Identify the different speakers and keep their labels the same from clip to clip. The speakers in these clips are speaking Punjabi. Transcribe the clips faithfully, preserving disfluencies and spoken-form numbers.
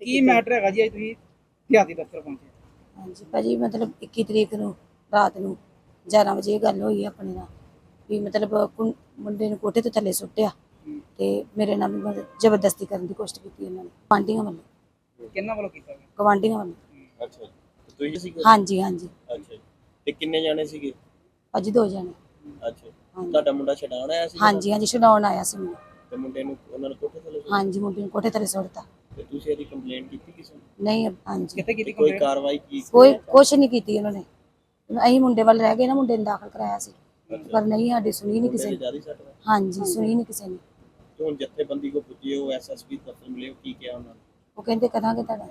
Speaker 1: ਕੀ ਮੈਟਰ ਹੈਗਾ ਜੀ ਅੱਜ ਤੁਸੀਂ ਦਿਹਾਤੀ ਦਫ਼ਤਰ ਪਹੁੰਚੇ?
Speaker 2: ਹਾਂਜੀ ਭਾਜੀ ਮਤਲਬ ਇੱਕੀ ਤਰੀਕ ਨੂੰ ਰਾਤ ਨੂੰ ਗਿਆਰਾਂ ਵਜੇ ਇਹ ਗੱਲ ਹੋਈ ਆਪਣੇ ਨਾਲ ਵੀ ਮਤਲਬ ਕੁੰ- ਮੁੰਡੇ ਨੂੰ ਕੋਠੇ ਤੋਂ ਥੱਲੇ ਸੁੱਟਿਆ ਤੇ ਮੇਰੇ ਨਾਲ ਵੀ ਮਤਲਬ ਜ਼ਬਰਦਸਤੀ ਕਰਨ ਦੀ ਕੋਸ਼ਿਸ਼ ਕੀਤੀ ਇਹਨਾਂ ਨੇ ਗੁਆਂਢੀਆਂ ਵੱਲੋਂ
Speaker 1: ਕਿੰਨਾਂ ਵੱਲੋਂ ਕੀਤਾ ਗਿਆ?
Speaker 2: ਗੁਆਂਢੀਆਂ ਵੱਲੋਂ
Speaker 3: ਅੱਛਾ ਜੀ। ਤੇ ਤੁਸੀਂ ਸੀਗੇ?
Speaker 2: ਹਾਂਜੀ ਹਾਂਜੀ
Speaker 3: ਅੱਛਾ ਜੀ। ਤੇ ਕਿੰਨੇ ਜਾਣੇ ਸੀਗੇ?
Speaker 2: ਭਾਜੀ ਦੋ ਜਣੇ।
Speaker 3: ਅੱਛਾ।
Speaker 2: ਹਾਂਜੀ
Speaker 3: ਤੁਹਾਡਾ ਮੁੰਡਾ ਛਡਾਉਣ ਆਇਆ ਸੀ?
Speaker 2: ਹਾਂਜੀ ਹਾਂਜੀ ਛਡਾਉਣ ਆਇਆ ਸੀ ਮੈਨੂੰ।
Speaker 3: ਤੇ ਮੁੰਡੇ ਨੂੰ ਉਹਨਾਂ ਨੇ ਕੋਠੇ ਥੱਲੇ ਸੁੱਟ
Speaker 2: ਹਾਂਜੀ ਮੁੰਡੇ ਨੂੰ ਕੋਠੇ ਥੱਲੇ ਸੁੱਟਤਾ।
Speaker 3: ਤੇ ਤੁਸੀਂ ਇਹਦੀ ਕੰਪਲੇਂਟ ਕੀਤੀ ਕਿਸੇ ਨੂੰ?
Speaker 2: ਨਹੀਂ ਹਾਂਜੀ
Speaker 1: ਕਿੱਥੇ ਕੀਤੀ
Speaker 3: ਕੋਈ
Speaker 1: ਕੰਪਲੇਂਟ?
Speaker 3: ਕਾਰਵਾਈ ਕੀ?
Speaker 2: ਕੋਈ ਕੁਛ ਨਹੀਂ ਕੀਤੀ ਉਹਨਾਂ ਨੇ। ਅਸੀਂ ਮੁੰਡੇ ਵੱਲ ਰਹਿ ਗਏ ਨਾ, ਮੁੰਡੇ ਨੂੰ ਦਾਖਲ ਕਰਾਇਆ ਸੀ ਪਰ ਨਹੀਂ ਸਾਡੀ ਸੁਣੀ ਨਹੀਂ ਕਿਸੇ ਨੇ।
Speaker 3: ਜਿਆਦਾ ਸੱਟ ਵਾ?
Speaker 2: ਹਾਂਜੀ ਸੁਣੀ ਨਹੀਂ ਕਿਸੇ ਨੇ।
Speaker 3: ਤੇ ਹੁਣ ਜਥੇਬੰਦੀ ਕੋ ਪੁੱਜੇ ਹੋ, ਐਸਐਸਪੀ ਦਫ਼ਤਰ ਮਿਲੇ ਹੋ, ਕੀ ਕਿਹਾ ਉਹਨਾਂ ਨੇ?
Speaker 2: ਉਹ ਕਹਿੰਦੇ ਕਰਾਂਗੇ ਤੁਹਾਡਾ।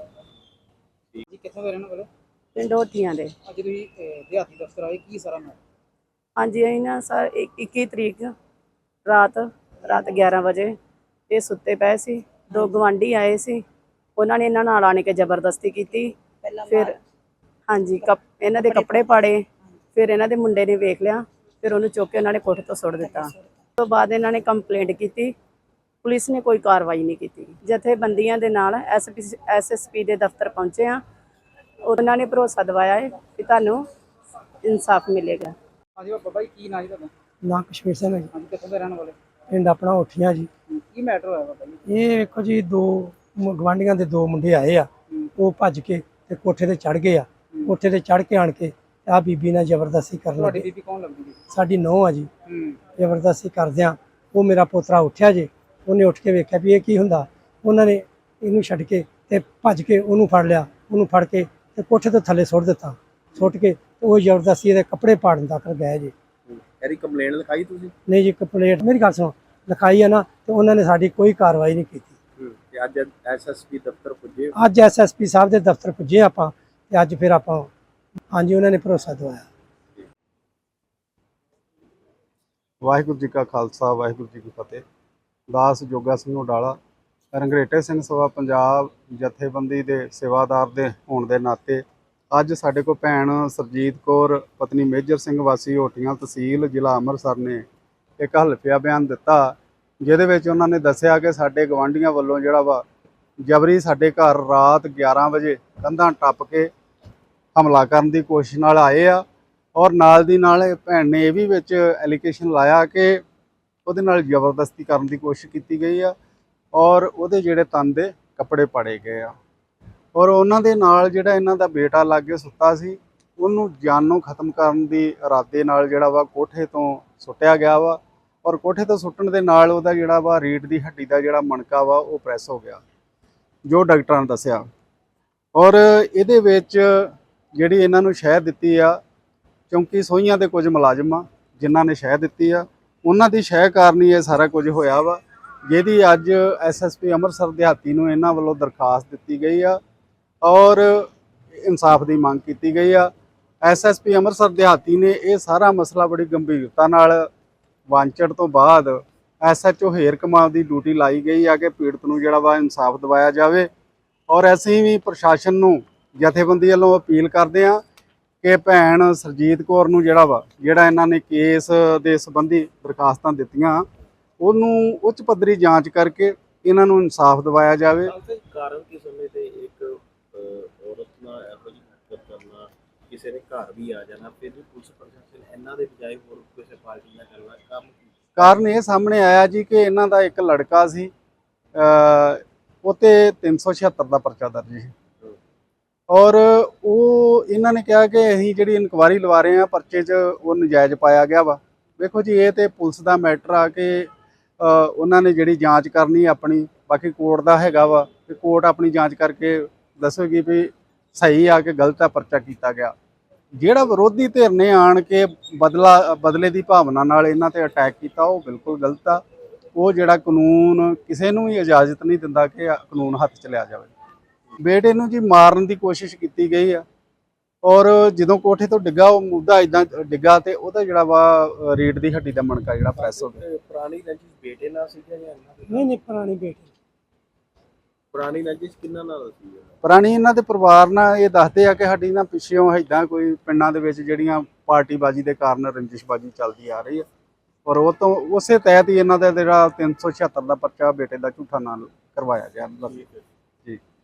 Speaker 1: ਜੀ ਕਿੱਥੋਂ ਦੇ ਰਹਿਣ ਵਾਲੇ?
Speaker 4: ਪਿੰਡ ਹੋਤੀਆਂ ਦੇ।
Speaker 1: ਅੱਜ ਤੁਸੀਂ ਅਹ, ਦਿਹਾਤੀ ਦਫ਼ਤਰ ਆਏ, ਕੀ ਸਾਰਾ ਮੈਟਰ?
Speaker 4: ਹਾਂਜੀ ਅਸੀਂ ਨਾ ਸਰ ਇੱਕੀ ਤਰੀਕ ਰਾਤ ਰਾਤ ਗਿਆਰਾਂ ਵਜੇ ਇਹ ਸੁੱਤੇ ਪਏ ਸੀ। ਦੋ ਗਵਾਂਢੀ ਆਏ ਸੀ, ਉਹਨਾਂ ਨੇ ਇਹਨਾਂ ਨਾਲ ਆਣ ਕੇ ਜ਼ਬਰਦਸਤੀ ਕੀਤੀ। ਫਿਰ ਹਾਂਜੀ ਕੱਪ ਇਹਨਾਂ ਦੇ ਕੱਪੜੇ ਪਾੜੇ। ਫਿਰ ਇਹਨਾਂ ਦੇ ਮੁੰਡੇ ਨੇ ਵੇਖ ਲਿਆ, ਫਿਰ ਉਹਨੂੰ ਚੁੱਕ ਕੇ ਉਹਨਾਂ ਨੇ ਕੋਠੇ ਤੋਂ ਸੁੱਟ ਦਿੱਤਾ। ਉਸ ਤੋਂ ਬਾਅਦ ਇਹਨਾਂ ਨੇ ਕੰਪਲੇਂਟ ਕੀਤੀ, ਪੁਲਿਸ ਨੇ ਕੋਈ ਕਾਰਵਾਈ ਨਹੀਂ ਕੀਤੀ। ਜਥੇਬੰਦੀਆਂ ਦੇ ਨਾਲ ਐਸਪੀ ਐਸਐਸਪੀ ਦੇ ਦਫ਼ਤਰ ਪਹੁੰਚੇ ਆ, ਉਹਨਾਂ ਨੇ ਭਰੋਸਾ ਦਿਵਾਇਆ ਹੈ ਕਿ ਤੁਹਾਨੂੰ ਇਨਸਾਫ ਮਿਲੇਗਾ।
Speaker 1: ਹਾਂਜੀ ਬਾਬਾ ਜੀ, ਕੀ ਨਾਂ ਜੀ ਤੁਹਾਡਾ?
Speaker 5: ਨਾ ਕਸ਼ਮੀਰ ਸਿੰਘ ਹੈ ਜੀ।
Speaker 1: ਹਾਂਜੀ ਕਿੱਥੋਂ ਦੇ ਰਹਿਣ ਵਾਲੇ?
Speaker 5: ਪਿੰਡ ਆਪਣਾ ਉੱਠੀਆਂ ਜੀ।
Speaker 1: ਕੀ ਮੈਟਰ ਹੋਇਆ ਬਾਬਾ ਜੀ?
Speaker 5: ਇਹ ਵੇਖੋ ਜੀ, ਦੋ ਗਵਾਂਢੀਆਂ ਦੇ ਦੋ ਮੁੰਡੇ ਆਏ ਆ, ਉਹ ਭੱਜ ਕੇ ਤੇ ਕੋਠੇ ਤੇ ਚੜ ਗਏ ਆ। ਕੋਠੇ ਤੇ ਚੜ ਕੇ ਆਣ ਕੇ ਆ ਬੀਬੀ ਨਾਲ ਜ਼ਬਰਦਸਤੀ ਕਰਨ
Speaker 1: ਤੁਹਾਡੀ
Speaker 5: ਲੱਗੇ।
Speaker 1: ਬੀਬੀ ਕੌਣ ਲੱਗਦੀ ਜੀ?
Speaker 5: ਸਾਡੀ ਨੂੰਹ ਆ ਜੀ।
Speaker 1: ਹੂੰ
Speaker 5: ਜ਼ਬਰਦਸਤੀ ਕਰਦਿਆਂ ਉਹ ਮੇਰਾ ਪੋਤਰਾ ਉੱਠਿਆ ਜੇ, ਉਹਨੇ ਉੱਠ ਕੇ ਵੇਖਿਆ ਵੀ ਇਹ ਕੀ ਹੁੰਦਾ। ਉਹਨਾਂ ਨੇ ਇਹਨੂੰ ਛੱਡ ਕੇ ਤੇ ਭੱਜ ਕੇ ਉਹਨੂੰ ਫੜ ਲਿਆ। ਉਹਨੂੰ ਫੜ ਕੇ ਤੇ ਕੋਠੇ ਤੋਂ ਥੱਲੇ ਸੁੱਟ ਦਿੱਤਾ। ਸੁੱਟ ਕੇ ਉਹ ਜ਼ਬਰਦਸਤੀ ਇਹਦੇ ਕੱਪੜੇ ਪਾੜਨ ਤੱਕ ਗਏ ਜੀ।
Speaker 3: ਇਹਦੀ ਕੰਪਲੇਂਟ ਲਿਖਾਈ ਤੁਸੀਂ?
Speaker 5: ਨਹੀਂ ਜੀ, ਕੰਪਲੇਂਟ ਮੇਰੀ ਗੱਲ ਸੁਣੋ, ਲਿਖਾਈ ਆ ਨਾ, ਤੇ ਉਹਨਾਂ ਨੇ ਸਾਡੀ ਕੋਈ ਕਾਰਵਾਈ ਨਹੀਂ ਕੀਤੀ।
Speaker 3: ਤੇ ਅੱਜ ਐਸਐਸਪੀ ਦਫ਼ਤਰ ਪੁੱਜੇ?
Speaker 5: ਅੱਜ ਐਸਐਸਪੀ ਸਾਹਿਬ ਦੇ ਦਫ਼ਤਰ ਪੁੱਜੇ ਆਪਾਂ, ਤੇ ਅੱਜ ਫਿਰ ਆਪਾਂ ਹਾਂਜੀ ਉਹਨਾਂ ਨੇ ਭਰੋਸਾ ਦਵਾਇਆ।
Speaker 6: ਵਾਹਿਗੁਰੂ ਜੀ ਕਾ ਖਾਲਸਾ, ਵਾਹਿਗੁਰੂ ਜੀ ਕੀ ਫਤਿਹ। ਦਾਸ ਜੋਗਾ ਸਿੰਘ ਉਡਾਲਾ, ਰੰਗਰੇਟੇ ਸਿੰਘ ਸਭਾ ਪੰਜਾਬ ਜਥੇਬੰਦੀ ਦੇ ਸੇਵਾਦਾਰ ਦੇ ਹੋਣ ਦੇ ਨਾਤੇ ਅੱਜ ਸਾਡੇ ਕੋਲ ਭੈਣ ਸਰਜੀਤ ਕੌਰ ਪਤਨੀ ਮੇਜਰ ਸਿੰਘ ਵਾਸੀ ਹੋਟੀਆਂ ਤਹਿਸੀਲ ਜ਼ਿਲ੍ਹਾ ਅੰਮ੍ਰਿਤਸਰ ਨੇ ਇੱਕ ਹਲਫੀਆ ਬਿਆਨ ਦਿੱਤਾ, ਜਿਹਦੇ ਵਿੱਚ ਉਹਨਾਂ ਨੇ ਦੱਸਿਆ ਕਿ ਸਾਡੇ ਗਵਾਂਢੀਆਂ ਵੱਲੋਂ ਜਿਹੜਾ ਵਾ ਜਬਰੀ ਸਾਡੇ ਘਰ ਰਾਤ ਗਿਆਰਾਂ ਵਜੇ ਕੰਧਾਂ ਟੱਪ ਕੇ ਹਮਲਾ ਕਰਨ ਦੀ ਕੋਸ਼ਿਸ਼ ਨਾਲ ਆਏ ਆ। ਔਰ ਨਾਲ ਦੀ ਨਾਲ ਭੈਣ ਨੇ ਇਹ ਵੀ ਵਿੱਚ ਐਲੀਗੇਸ਼ਨ ਲਾਇਆ ਕਿ ਉਹਦੇ ਨਾਲ ਜ਼ਬਰਦਸਤੀ ਕਰਨ ਦੀ ਕੋਸ਼ਿਸ਼ ਕੀਤੀ ਗਈ ਆ ਔਰ ਉਹਦੇ ਜਿਹੜੇ ਤਨ ਦੇ ਕੱਪੜੇ ਪਾੜੇ ਗਏ ਆ। ਔਰ ਉਹਨਾਂ ਦੇ ਨਾਲ ਜਿਹੜਾ ਇਹਨਾਂ ਦਾ ਬੇਟਾ ਲਾਗੇ ਸੁੱਤਾ ਸੀ, ਉਹਨੂੰ ਜਾਨੋਂ ਖਤਮ ਕਰਨ ਦੀ ਇਰਾਦੇ ਨਾਲ ਜਿਹੜਾ ਵਾ ਕੋਠੇ ਤੋਂ ਸੁੱਟਿਆ ਗਿਆ ਵਾ। ਔਰ ਕੋਠੇ ਤੋਂ ਸੁੱਟਣ ਦੇ ਨਾਲ ਉਹਦਾ ਜਿਹੜਾ ਵਾ ਰੀੜ੍ਹ ਦੀ ਹੱਡੀ ਦਾ ਜਿਹੜਾ ਮਣਕਾ ਵਾ ਉਹ ਪ੍ਰੈਸ ਹੋ ਗਿਆ, ਜੋ ਡਾਕਟਰਾਂ ਨੇ ਦੱਸਿਆ। ਔਰ ਇਹਦੇ ਵਿੱਚ ਜਿਹੜੀ ਇਹਨਾਂ ਨੂੰ ਸ਼ਹਿ ਦਿੱਤੀ ਆ, ਚੌਂਕੀ ਸੋਹੀਆਂ ਦੇ ਕੁਝ ਮੁਲਾਜ਼ਮ ਆ ਜਿਨ੍ਹਾਂ ਨੇ ਸ਼ਹਿ ਦਿੱਤੀ ਆ, ਉਹਨਾਂ ਦੀ ਸ਼ਹਿ ਕਾਰਨ ਹੀ ਇਹ ਸਾਰਾ ਕੁਝ ਹੋਇਆ ਵਾ, ਜਿਹਦੀ ਅੱਜ ਐਸਐਸਪੀ ਅੰਮ੍ਰਿਤਸਰ ਦਿਹਾਤੀ ਨੂੰ ਇਹਨਾਂ ਵੱਲੋਂ ਦਰਖਾਸਤ ਦਿੱਤੀ ਗਈ ਆ ਔਰ ਇਨਸਾਫ ਦੀ ਮੰਗ ਕੀਤੀ ਗਈ ਆ। ਐਸਐਸਪੀ ਅੰਮ੍ਰਿਤਸਰ ਦਿਹਾਤੀ ਨੇ ਇਹ ਸਾਰਾ ਮਸਲਾ ਬੜੀ ਗੰਭੀਰਤਾ ਨਾਲ ਵਾਂਚੜ ਤੋਂ ਬਾਅਦ ਐਸਐਚਓ ਹੇਰ ਕਮਾਲ ਦੀ ਡਿਊਟੀ ਲਾਈ ਗਈ ਆ ਕਿ ਪੀੜਤ ਨੂੰ ਜਿਹੜਾ ਵਾ ਇਨਸਾਫ ਦਿਵਾਇਆ ਜਾਵੇ। ਔਰ ਅਸੀਂ ਵੀ ਪ੍ਰਸ਼ਾਸਨ ਨੂੰ ਜਥੇਬੰਦੀ ਵੱਲੋਂ ਅਪੀਲ ਕਰਦੇ ਹਾਂ ਕਿ ਭੈਣ ਸਰਜੀਤ ਕੌਰ ਨੂੰ ਜਿਹੜਾ ਵਾ ਜਿਹੜਾ ਇਹਨਾਂ ਨੇ ਕੇਸ ਦੇ ਸੰਬੰਧੀ ਦਰਖਾਸਤਾਂ ਦਿੱਤੀਆਂ, ਉਹਨੂੰ ਉੱਚ ਪੱਧਰੀ ਜਾਂਚ ਕਰਕੇ ਇਹਨਾਂ ਨੂੰ ਇਨਸਾਫ ਦਿਵਾਇਆ ਜਾਵੇ।
Speaker 3: ਕਾਰਨ ਕੀ ਸਮੇਂ ਤੇ ਇੱਕ ਔਰਤ ਨਾਲ ਇਹੋ ਜਿਹੀ ਹਰਕਤ ਕਰਨਾ, ਕਿਸੇ ਦੇ ਘਰ ਵੀ ਆ ਜਾਣਾ, ਫਿਰ ਵੀ ਪੁਲਿਸ ਪ੍ਰਸ਼ਾਸਨ ਇਹਨਾਂ ਦੇ ਬਜਾਏ ਹੋਰ ਕਿਸੇ ਪਾਰਟੀ ਨਾਲ ਕਰਨਾ ਕੰਮ?
Speaker 6: ਕਾਰਨ ਇਹ ਸਾਹਮਣੇ ਆਇਆ ਜੀ ਕਿ ਇਹਨਾਂ ਦਾ ਇੱਕ ਲੜਕਾ ਸੀ, ਉਹ 'ਤੇ ਤਿੰਨ ਸੌ ਛਿਹੱਤਰ ਦਾ ਪਰਚਾ ਦਰਜ ਸੀ ਔਰ ਉਹ ਇਹਨਾਂ ਨੇ ਕਿਹਾ ਕਿ ਅਸੀਂ ਜਿਹੜੀ ਇਨਕੁਆਇਰੀ ਲਵਾ ਰਹੇ ਹਾਂ ਪਰਚੇ 'ਚ ਉਹ ਨਜਾਇਜ਼ ਪਾਇਆ ਗਿਆ ਵਾ। ਵੇਖੋ ਜੀ, ਇਹ ਤਾਂ ਪੁਲਿਸ ਦਾ ਮੈਟਰ ਆ ਕਿ ਉਹਨਾਂ ਨੇ ਜਿਹੜੀ ਜਾਂਚ ਕਰਨੀ ਆਪਣੀ, ਬਾਕੀ ਕੋਰਟ ਦਾ ਹੈਗਾ ਵਾ ਕਿ ਕੋਰਟ ਆਪਣੀ ਜਾਂਚ ਕਰਕੇ ਦੱਸੇਗੀ ਵੀ ਸਹੀ ਆ ਕਿ ਗਲਤ ਆ ਪਰਚਾ ਕੀਤਾ ਗਿਆ। ਜਿਹੜਾ ਵਿਰੋਧੀ ਧਿਰ ਨੇ ਆਣ ਕੇ ਬਦਲਾ ਬਦਲੇ ਦੀ ਭਾਵਨਾ ਨਾਲ ਇਹਨਾਂ ਤੇ ਅਟੈਕ ਕੀਤਾ, ਉਹ ਬਿਲਕੁਲ ਗਲਤ ਆ। ਉਹ ਜਿਹੜਾ ਕਾਨੂੰਨ ਕਿਸੇ ਨੂੰ ਵੀ ਇਜਾਜ਼ਤ ਨਹੀਂ ਦਿੰਦਾ ਕਿ ਕਾਨੂੰਨ ਹੱਥ 'ਚ ਲਿਆ ਜਾਵੇ। ਬੇਟੇ ਨੂੰ ਜੀ ਮਾਰਨ ਦੀ ਕੋਸ਼ਿਸ਼ ਕੀਤੀ ਗਈ ਆ ਔਰ ਜਦੋਂ ਕੋਠੇ ਤੋਂ ਡਿੱਗਾ ਉਹ ਮੁੱਦਾ ਇਦਾਂ ਡਿੱਗਾ ਤੇ ਉਹਦਾ ਜਿਹੜਾ ਵਾ ਰੀੜ ਦੀ ਹੱਡੀ ਦਾ ਮਣਕਾ ਜਿਹੜਾ ਪ੍ਰੈਸ ਹੋ ਗਿਆ।
Speaker 3: ਪੁਰਾਣੀ ਰੰਜਿਸ਼ ਬੇਟੇ ਨਾਲ ਸੀ ਜਾਂ ਇਹਨਾਂ ਦੀ?
Speaker 5: ਨਹੀਂ ਨਹੀਂ, ਪੁਰਾਣੀ ਬੇਟੀ।
Speaker 3: ਪੁਰਾਣੀ ਰੰਜਿਸ਼ ਕਿਹਨਾਂ ਨਾਲ ਸੀ?
Speaker 6: ਪੁਰਾਣੀ ਇਹਨਾਂ ਦੇ ਪਰਿਵਾਰ ਨਾਲ ਇਹ ਦੱਸਦੇ ਆ ਕਿ ਸਾਡੀ ਨਾ ਪਿੱਛੋਂ ਇੱਦਾਂ ਕੋਈ ਪਿੰਡਾਂ ਦੇ ਵਿੱਚ ਜਿਹੜੀਆਂ ਪਾਰਟੀਬਾਜ਼ੀ ਦੇ ਕਾਰਨ ਰੰਜਿਸ਼ਬਾਜ਼ੀ ਚੱਲਦੀ ਆ ਰਹੀ ਆ ਔਰ ਉਹ ਤੋਂ ਉਸੇ ਤਹਿਤ ਹੀ ਇਹਨਾਂ ਦਾ ਜਿਹੜਾ ਤਿੰਨ ਸੌ ਛਿਹੱਤਰ ਦਾ ਪਰਚਾ ਬੇਟੇ ਦਾ ਝੂਠਾ ਨਾਂ ਕਰਵਾਇਆ ਗਿਆ। ਜੀ।